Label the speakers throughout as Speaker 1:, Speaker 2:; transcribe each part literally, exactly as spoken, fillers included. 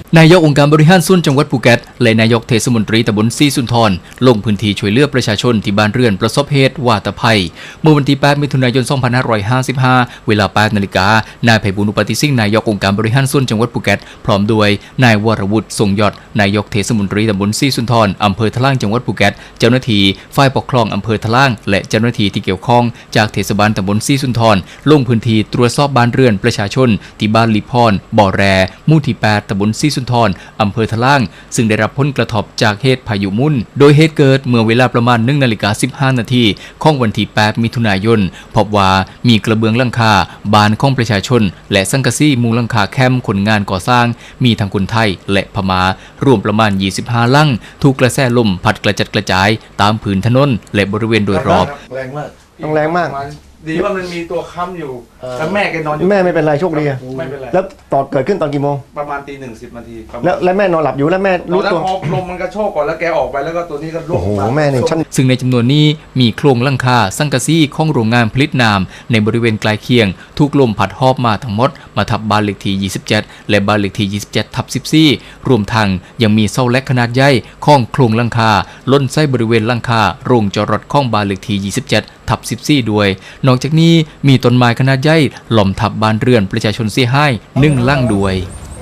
Speaker 1: นายกองค์การบริหารส่วนจังหวัดภูเก็ตและนายกเทศมนตรีตำบลศรีสุนทรลงพื้นที่ช่วยเหลือประชาชนที่บ้านเรือนประสบเหตุวาตภัยเมื่อวันที่แปดมิถุนายนสองพันห้าร้อยห้าสิบห้าเวลาแปดนาฬิกานายไพบูลย์ อุปติสิงห์นายกองค์การบริหารส่วนจังหวัดภูเก็ตพร้อมด้วยนายวรวุฒิทรงยอดนายกเทศมนตรีตำบลศรีสุนทรอำเภอทะล่างจังหวัดภูเก็ตเจ้าหน้าที่ฝ่ายปกครองอำเภอทะล่างและเจ้าหน้าที่ที่เกี่ยวข้องจากเทศบาลตำบลศรีสุนทรลงพื้นที่ตรวจสอบบ้านเรือนประชาชนที่บ้านลิพรบ่อแรหมู่ที่แปดตำบลศรีสุนทรอำเภอทะล่างซึ่งได้รับผลกระทบจากเหตุพายุมุ่นโดยเหตุเกิดเมื่อเวลาประมาณหนึ่งนาฬิกาสิบห้านาทีของวันที่แปดมิถุนายนพบว่ามีกระเบื้องหลังคาบ้านของประชาชนและสังกะสีมุงหลังคาแคมป์คนงานก่อสร้างมีทั้งคนไทยและพม่ารวมประมาณยี่สิบห้าหลังถูกกระแสลมพัดกระจัดกระจายตามผืนถนนและบริเวณโดยรอบ
Speaker 2: แรงมาก
Speaker 3: ต้องแรงมาก
Speaker 2: ดีว่ามันมีตัวค้ำอยู่แล้วแม่แกนอนอยู่
Speaker 3: แม่ไม่เป็นไรโชคดี
Speaker 2: ไม่เป็นไร
Speaker 3: แล้วตอนเกิดขึ้นตอนกี่โมง
Speaker 2: ประมาณตีหนึ่งสิบนาที
Speaker 3: แล้วแล้วแม่นอนหลับอยู่แล้วแม่รู้ตัว
Speaker 2: ลมมันกระโชกก่อนแล้วแกออกไปแล้วก็ตัวนี้ก็ร่วง
Speaker 3: โอ้โหแม่หนึ่งชั้น
Speaker 1: ซึ่งในจำนวนนี้มีโครงหลังคาสังกะสีของโรงงานผลิตน้ำในบริเวณใกล้เคียงถูกลมพัดหอบมาทั้งหมดมาทับบ้านเลขที่ยี่สิบเจ็ดและบ้านเลขที่ยี่สิบเจ็ดทับสิบสี่รวมทั้งยังมีเสาแหลกขนาดใหญ่ของโครงหลังคาล้นใส่บริเวณหลังคาโรงจอดรถของบ้านเลขที่ยี่สิบเจ็ดทับสิบสี่ด้วยนอกจากนี้มีต้นไม้ขนาดใหญ่ล้อมทับบ้านเรือนประชาชนเสียหายหนึ่งหลังด้วย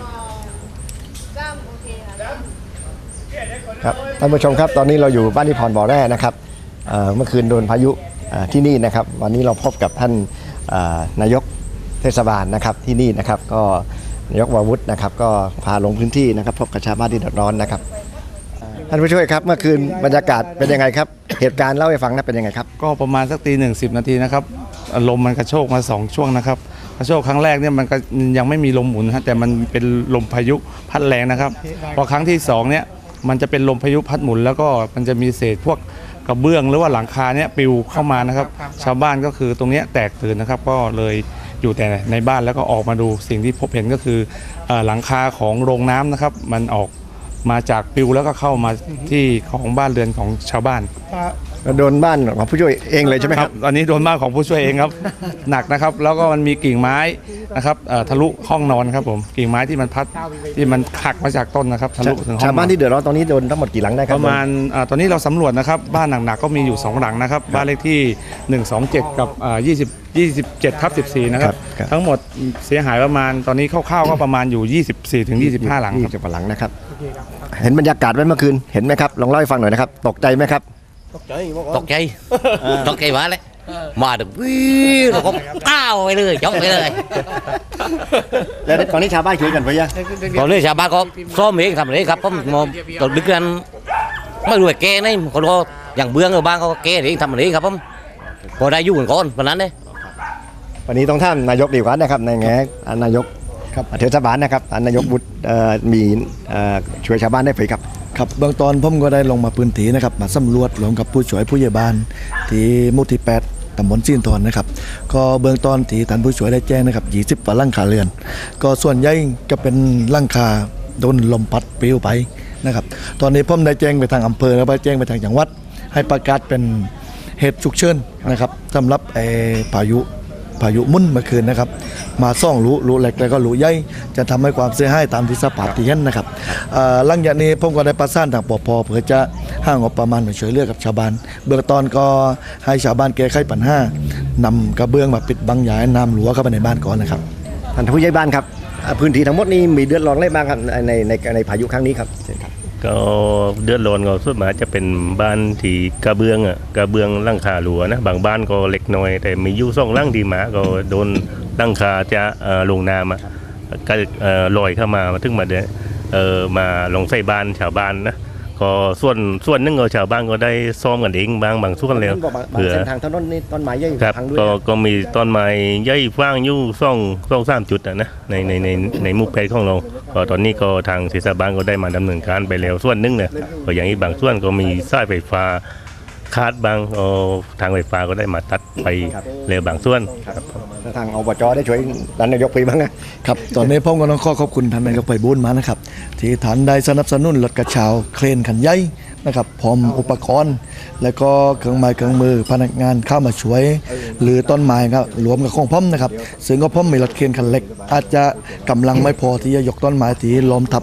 Speaker 3: ครับท่านผู้ชมครับตอนนี้เราอยู่บ้านนิพรบ่อแร่นะครับเมื่อคืนโดนพายุที่นี่นะครับวันนี้เราพบกับท่านนายกเทศบาลนะครับที่นี่นะครับก็นายกวรวุฒินะครับก็พาลงพื้นที่นะครับพบกับชาวบ้านที่เดือดร้อนนะครับท่านผู้ช่วยครับเมื่อคืนบรรยากาศเป็นยังไงครับเหตุการณ์เล่าให้ฟังนะเป็นยังไงครับ
Speaker 4: ก็ประมาณสักตีหนึ่งสิบนาทีนะครับลมมันกระโชกมาสองช่วงนะครับกระโชกครั้งแรกเนี่ยมันก็ยังไม่มีลมหมุนฮะแต่มันเป็นลมพายุพัดแรงนะครับพอครั้งที่สองเนี่ยมันจะเป็นลมพายุพัดหมุนแล้วก็มันจะมีเศษพวกกระเบื้องหรือว่าหลังคาเนี่ยปลิวเข้ามานะครับชาวบ้านก็คือตรงนี้แตกตื่นนะครับก็เลยอยู่แต่ในบ้านแล้วก็ออกมาดูสิ่งที่พบเห็นก็คือหลังคาของโรงน้ำนะครับมันออกมาจากปลิวแล้วก็เข้ามาที่ของบ้านเรือนของชาวบ้าน
Speaker 3: โดนบ้านของผู้ช่วยเองเลยใช่ไหมครับ
Speaker 4: อันนี้โดนบ้านของผู้ช่วยเองครับหนักนะครับแล้วก็มันมีกิ่งไม้นะครับทะลุห้องนอนครับผมกิ่งไม้ที่มันพัดที่มันหักมาจากต้นนะครับทะลุถึงห้อง
Speaker 3: ชาวบ้านที่เดือดร้อนตอนนี้โดนทั้งหมดกี่หลังได้ครับ
Speaker 4: ประมาณตอนนี้เราสำรวจนะครับบ้านหนักๆก็มีอยู่สองหลังนะครับบ้านเลขที่หนึ่งสองเจ็ดกับยี่สิบ ยี่สิบเจ็ดทับสิบสี่นะครับทั้งหมดเสียหายประมาณตอนนี้คร่าวๆก็ประมาณอยู่ยี่สิบสี่ถึงยี่สิบห้าหลัง
Speaker 3: ยี่สิบกว่าหลังนะครับเห็นบรรยากาศไว้เมื่อคืนเห็นไหมครับลองเล่าให้ฟังหน่อยนะครับตกใจไหมครับ
Speaker 5: ตกใจตกใจตกใจมาเลยมาถึงวิ่งแล้วก็ก้าวไปเลยยกไปเลย
Speaker 3: แล้วตอนนี้ชาวบ้านคุยกันไปยัง
Speaker 5: ตอนนี้ชาวบ้านก็ซ้อมเองทำอะไรครับผมมองตอนดึกนั้นไม่รู้แกนี่คนก็อย่างเบื้องบ้างก็แกเองทำอะไรครับผมพอได้ยุ่งก่อนวันนั้นเลย
Speaker 3: วันนี้ต้องท่านนายกดีกว่านะครับในแง่นายกเทศบาลนะครับนายกบุตรมีช่วยชาวบ้านได้ไหมครับ
Speaker 6: ครับเบื้องต้นผมก็ได้ลงมาพื้นที่นะครับมาสำรวจรวมกับผู้ช่วยผู้ใหญ่บ้านที่หมู่ที่แปดตำบลศรีสุนทรนะครับก็เบื้องต้นที่ท่านผู้ช่วยได้แจ้งนะครับยี่สิบกว่าหลังคาเรือนก็ส่วนใหญ่จะเป็นหลังคาโดนลมพัดปลิวไปนะครับตอนนี้ผมได้แจ้งไปทางอำเภอแล้วไปแจ้งไปทางจังหวัดให้ประกาศเป็นเหตุฉุกเฉินนะครับสำหรับไอ้พายุพายุมุ่นเมื่อคืนนะครับมาซ่องรูรูเล็กแล้วก็รูใหญ่จะทำให้ความเสียหายตามที่สภาพที่เห็นนะครับหลังจากนี้ผมก็ได้ประสานทางปภเพื่อจะห้างงบประมาณมาช่วยเหลือกับชาวบ้านเบื้องต้นก็ให้ชาวบ้านแก้ไขปัญหานำกระเบื้องมาปิดบังอย่าให้น้ำหลวงเข้าไปในบ้านก่อนนะครับ
Speaker 3: ท่านผู้ใหญ่บ้านครับพื้นที่ทั้งหมดนี้มีเดือดร้อนอะไรบ้างครับในในในพายุครั้งนี้ครับ
Speaker 7: ก็เดือดร้อนก็ส่วนมากจะเป็นบ้านที่กระเบื้องอ่ะกระเบื้องหลังคาหลัวนะบางบ้านก็เล็กน้อยแต่มีอยู่สองหลังที่มาก็โดนหลังคาจะลงน้ำอ่ะก็ลอยเข้ามามาถึงมาเดเออมาลงใส่บ้านชาวบ้านนะก็ส่วนส่วนนึงก็ชาวบ้านก็ได้ซ่อมกันเองบางบางส่วนแล้ว
Speaker 3: เผื่อเส้นทางถนนนี่ต้นไม้ใหญ่
Speaker 7: พังด้วยก็ก็มีต้นไม้ใหญ่ฟางอยู่ซ่องซ่องสามจุดนะในในในในมุกเพชรของเราก็ตอนนี้ก็ทางเทศบาลก็ได้มาดำเนินการไปแล้วส่วนนึงเนี่ยก็อย่างนี้บางส่วนก็มีสายไฟฟ้าคาดบางทางไฟฟ้าก็ได้มาตัดไปแล้วบางส่วน
Speaker 3: ทางอบจได้ช่วยท่านนายกไปบ้างนะครับ
Speaker 6: ตอนนี้ผมก็ต้องขอขอบคุณท่านนายกไปบุญมานะครับที่ท่านได้สนับสนุนรถกระเช้าเครนขันใหญ่นะครับพร้อมอุปกรณ์และก็เครื่องไม้เครื่องมือพนักงานเข้ามาช่วยหรือต้นไม้ครับรวมกับของผมนะครับซึ่งก็ผมมีรถเครนคันเล็กอาจจะกำลังไม่พอที่จะยกต้นไม้ที่ล้มทับ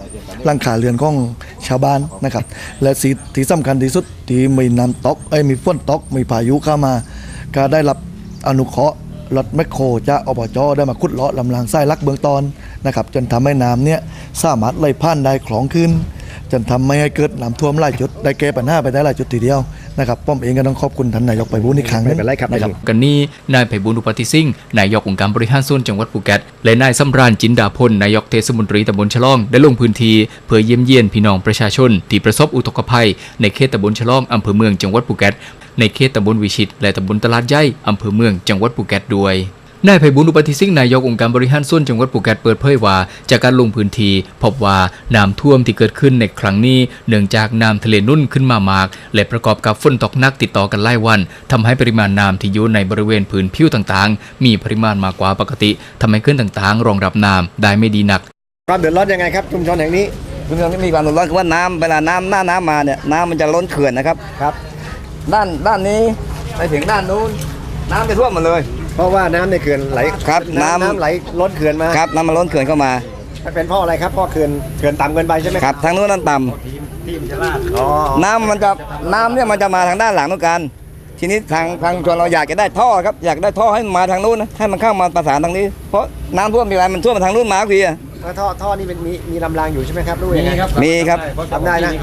Speaker 6: หลังคาเรือนของชาวบ้านนะครับและสิ่งที่สำคัญที่สุดที่มีน้ำตกเอ้ยมีฝนตกมีพายุเข้ามาก็ได้รับอนุเคราะห์รถแมคโครจากอบจได้มาขุดเลาะลำรางไส้ลักเบื้องต้นนะครับจนทำให้น้ำเนี่ยสามารถไหลผ่านได้คล่องขึ้นจนทำไม่ให้เกิดน้ำท่วมหลายจุดได้แก้ปัญหาไปได้หลายจุดทีเดียวนะครับป้อมเองก็ต้องขอบคุณท่านนายกไปบูลย์อีกครั้งหนึ
Speaker 3: ไม่
Speaker 6: ง
Speaker 3: เป็นไรครับ
Speaker 6: นะครับ
Speaker 1: กันนี้นายไพบูลย์อุปติสิ่งนายกองค์การบริหารส่วนจังหวัดภูเก็ตและนายสำราญจินดาพลนายกเทศมนตรีตำบลฉลองได้ลงพื้นที่เพื่อเยี่ยมเยียนพี่น้องประชาชนที่ประสบอุทกภัยในเขตตำบลฉลองอำเภอเมืองจังหวัดภูเก็ตในเขตตำบลวิชิตและตำบลตลาดใหญ่อำเภอเมืองจังหวัดภูเก็ตด้วยนายไพบูลย์อุปติสิ่งนายกองค์การบริหารส่วนจังหวัดภูเก็ตเปิดเผยว่าจากการลงพื้นที่พบว่าน้ำท่วมที่เกิดขึ้นในครั้งนี้เนื่องจากน้ำทะเลนุ่นขึ้นมามากและประกอบกับฝนตกหนักติดต่อกันหลายวันทำให้ปริมาณน้ำที่อยู่ในบริเวณพื้นผิวต่างๆมีปริมาณมากกว่าปกติทำให้เขื่อนต่างๆรองรับน้ำได้ไม่ดีนัก
Speaker 3: ความเดือดร้อนยังไงครับชุมชนแห่งนี้
Speaker 8: ชุมชนที่มีความเดือดร้อนคือว่าน้ำเวลาน้ำหน้าน้ำมาเนี่ยน้ำมันจะล้นเขื่อนนะครับ
Speaker 3: ครับ
Speaker 8: ด้านด้านนี้ไปถึงด้านนู้นน้ำจะท่วมหมดเลย
Speaker 3: เพราะว่าน้ำในเขื่อนไหล
Speaker 8: ครับน้ำ
Speaker 3: น้ำไหลล้นเขื่อนมา
Speaker 8: ครับน้ำมันล้นเขื่อนเข้ามา
Speaker 3: เป็นเพราะอะไรครับเพราะเขื่อนเขื่อนต่ำเกินไปใช่ไหม
Speaker 8: ครับทางนู้นน้ำต่
Speaker 3: อ๋อ
Speaker 8: ำน้ำมันจะน้ำเนี่ยมันจะมาทางด้านหลังนู้นกันทีนี้ทางทางชนเราอยากจะได้ท่อครับอยากได้ท่อให้มันมาทางนู้นนะให้มันเข้ามาประสานทางนี้ เพราะน้ำท่วมทีไรมันท่วมมาทางนู้นมาทุกทีอะ
Speaker 3: แล้วท่อท่อนี่เป็นมีมีลำรางอยู่ใช่ไหมครับรู้ยังไง
Speaker 8: มีครับ
Speaker 3: ทำได้นะ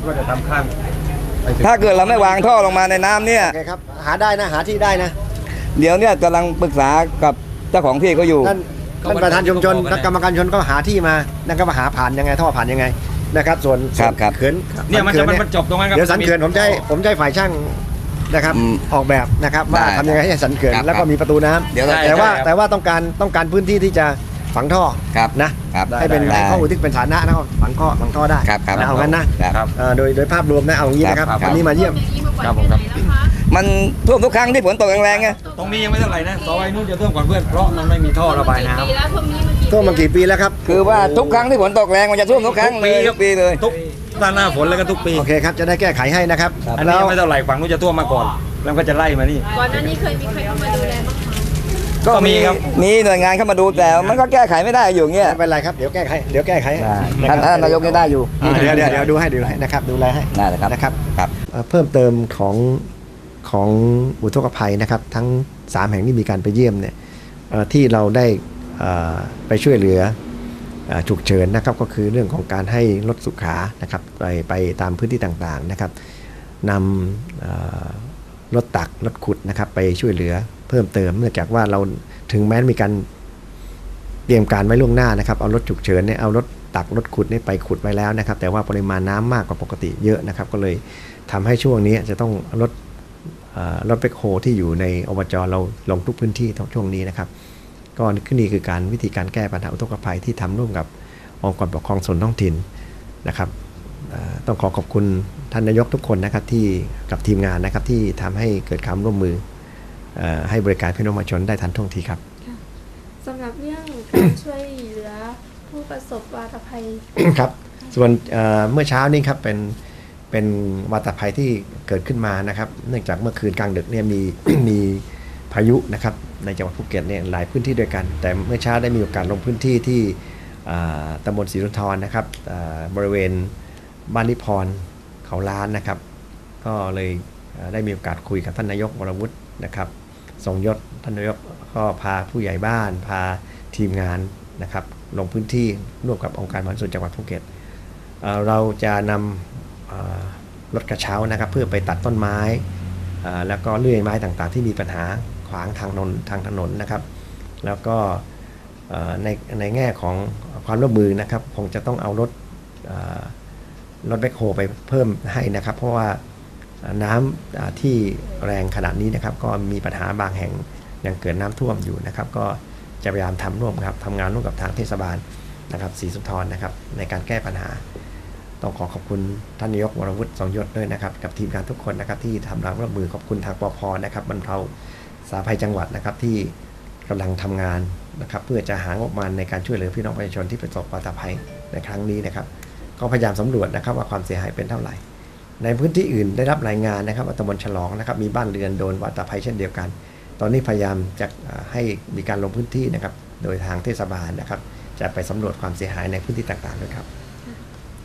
Speaker 8: ถ้าเกิดเราไม่วางท่อลงมาในน้ำเนี่ย
Speaker 3: โอเคครับหาได้นะหาที่ได้นะ
Speaker 8: เดี๋ยวเนี่ยกำลังปรึกษากับเจ้าของที่เขาอยู่
Speaker 3: ท่านท่านประธานชุมชนและกรรมการชนก็หาที่มานั่นก็มาหาผ่านยังไงท่อผ่านยังไงนะครับส่วน
Speaker 8: ครับครับ
Speaker 3: เขื่อน
Speaker 9: เนี่ยมันจะมันจบตรงนั้นครับ
Speaker 3: เดี๋ยวสันเขื่อนผมจะให้ผมจะให้ฝ่ายช่างนะครับ
Speaker 8: อืม
Speaker 3: ออกแบบนะครับว่า
Speaker 8: ได้
Speaker 3: ทำยังไงให้สันเขื่อน
Speaker 8: ครับ
Speaker 3: แล้วก็มีประตูน้ำ
Speaker 8: เดี๋ยวเรา
Speaker 3: แต่ว่า
Speaker 8: ได้ครับ
Speaker 3: แต่ว่าต้องการต้องการพื้นที่ที่จะฝังท่อ
Speaker 8: ครับ
Speaker 3: นะครับ ให้เป็น
Speaker 8: ได้
Speaker 3: ให้ข้ออุทิศเป็นฐานะนะครับฝังข้อฝังท่อได้
Speaker 8: ครับครับ
Speaker 3: นะเอางั้นนะครับ เอ่อโดยโดยภาพรวมนะเอาอย่างนี้นะครับ
Speaker 8: ครับ
Speaker 3: วันนี้มาเยี่ยม
Speaker 9: ครับผมครับ
Speaker 8: มันท่วมทุกครั้งที่ฝนตกแรงๆไง
Speaker 9: ตรงนี้ยังไม่เท่าไหร่นะซอยนู้นจะท่วมก่อนเพื่อนเพราะมันไม่มีท่อระบายน้ำ
Speaker 3: ท่วมมากี่ปีแล้วครับ
Speaker 8: คือว่าทุกครั้งที่ฝนตกแรงมันจะท่วมทุกครั้งเลยทุกปีเลย
Speaker 9: ทุกด้านหน้าฝนแล้วก็ทุกปี
Speaker 3: โอเคครับจะได้แก้ไขให้นะครับ
Speaker 9: อัน
Speaker 3: แล้
Speaker 9: นี้
Speaker 3: ว
Speaker 9: ยังไม่เท่าไหร่ฝั่งนู้นจะท่วมมาก่อน แล้วก็จะไล่มานี่
Speaker 10: ก่อนหน้านี้เคยมีใครเข้ามาดูแลบ้างไหม
Speaker 8: ก็มีมีหน่วยงานเข้ามาดูแต่มันก็แก้ไขไม่ได้อยู่อย่างเงี้ย
Speaker 3: ไม่เป็นไรครับเดี๋ยวแก้ไขเดี๋ยวแก้ไขให้
Speaker 8: ท่านท่านนายกยังได้อยู่
Speaker 3: อ่าเดี๋ยวเดี๋ยวเดี๋ยวดูให้ดูให้นะครับดูแลให้
Speaker 8: ได้เลยครับ
Speaker 3: นะครับ
Speaker 8: ครับ
Speaker 3: เอ่อเพิ่มเติมของของอุทกภัยนะครับ ทั้งสามแห่งที่มีการไปเยี่ยมเนี่ยเอ่อที่เราได้เอ่อไปช่วยเหลือเอ่อฉุกเฉินนะครับก็คือเรื่องของการให้รถสุขานะครับไปไปตามพื้นที่ต่างๆนะครับนำเอ่อรถตักรถขุดนะครับไปช่วยเหลือเพิ่มเติมเนื่องจากว่าเราถึงแม้มีการเตรียมการไว้ล่วงหน้านะครับเอารถฉุกเฉินเนี่ยเอารถตักรถขุดเนี่ยไปขุดไว้แล้วนะครับแต่ว่าปริมาณน้ำมากกว่าปกติเยอะนะครับก็เลยทำให้ช่วงนี้จะต้องรถเอ่อรถแบ็คโฮที่อยู่ในอบจเราลงทุกพื้นที่ช่วงนี้นะครับก็นี่คือการวิธีการแก้ปัญหาอุทกภัยที่ทำร่วมกับองค์กรปกครองส่วนท้องถิ่นนะครับเอ่อต้องขอขอบคุณท่านนายกทุกคนนะครับที่กับทีมงานนะครับที่ทำให้เกิดความร่วมมือเอ่อให้บริการพี่น้องประชาชนได้ทันท่วงทีครับ
Speaker 10: สำหรับเรื่องการช่วยเหลือผู้ประสบวาตภัย
Speaker 3: ครับส่วนเอ่อเมื่อเช้านี้ครับเป็นเป็นวาตภัยที่เกิดขึ้นมานะครับเนื่องจากเมื่อคืนกลางดึกเนี่ยมี มีพายุนะครับในจังหวัดภูเก็ตเนี่ยหลายพื้นที่ด้วยกัน แต่เมื่อเช้าได้มีโอกาสลงพื้นที่ที่อ่าตำบลศรีสุนทรนะครับอ่าบริเวณบ้านนิพรเขาล้านนะครับ ก็เลยเอ่อได้มีโอกาสคุยกับท่านนายกวรวุฒินะครับทรงยศท่านนายกก็พาผู้ใหญ่บ้านพาทีมงานนะครับลงพื้นที่ร่วมกับองค์การบริหารส่วนจังหวัดภูเก็ตเอ่อเราจะนำเอ่อรถกระเช้านะครับเพื่อไปตัดต้นไม้เอ่อแล้วก็เลื่อยไม้ต่างๆ ที่มีปัญหาขวางทางถนนทางถนนนะครับ แล้วก็เอ่อในในแง่ของความร่วมมือนะครับคงจะต้องเอารถเอ่อรถแบ็คโฮไปเพิ่มให้นะครับ เพราะว่าน้ำที่แรงขนาดนี้นะครับก็มีปัญหาบางแห่งยังเกิดน้ำท่วมอยู่นะครับ ก็จะพยายามทำร่วมครับทำงานร่วมกับทางเทศบาลนะครับศรีสุนทรนะครับในการแก้ปัญหาต้องขอขอบคุณท่านนายกวรวุฒิทรงยศด้วยนะครับกับทีมงานทุกคนนะครับที่ทำร่วมมือขอบคุณทางปภนะครับบรรเทาสาธารณภัยจังหวัดนะครับที่กำลังทำงานนะครับเพื่อจะหางบประมาณในการช่วยเหลือพี่น้องประชาชนที่ประสบวาตภัยในครั้งนี้นะครับก็พยายามสำรวจนะครับว่าความเสียหายเป็นเท่าไหร่ในพื้นที่อื่นได้รับรายงานนะครับว่าตำบลฉลองนะครับมีบ้านเรือนโดนวาตภัยเช่นเดียวกันตอนนี้พยายามจะให้มีการลงพื้นที่นะครับโดยทางเทศบาลนะครับจะไปสำรวจความเสียหายในพื้นที่ต่างๆด้วยครับ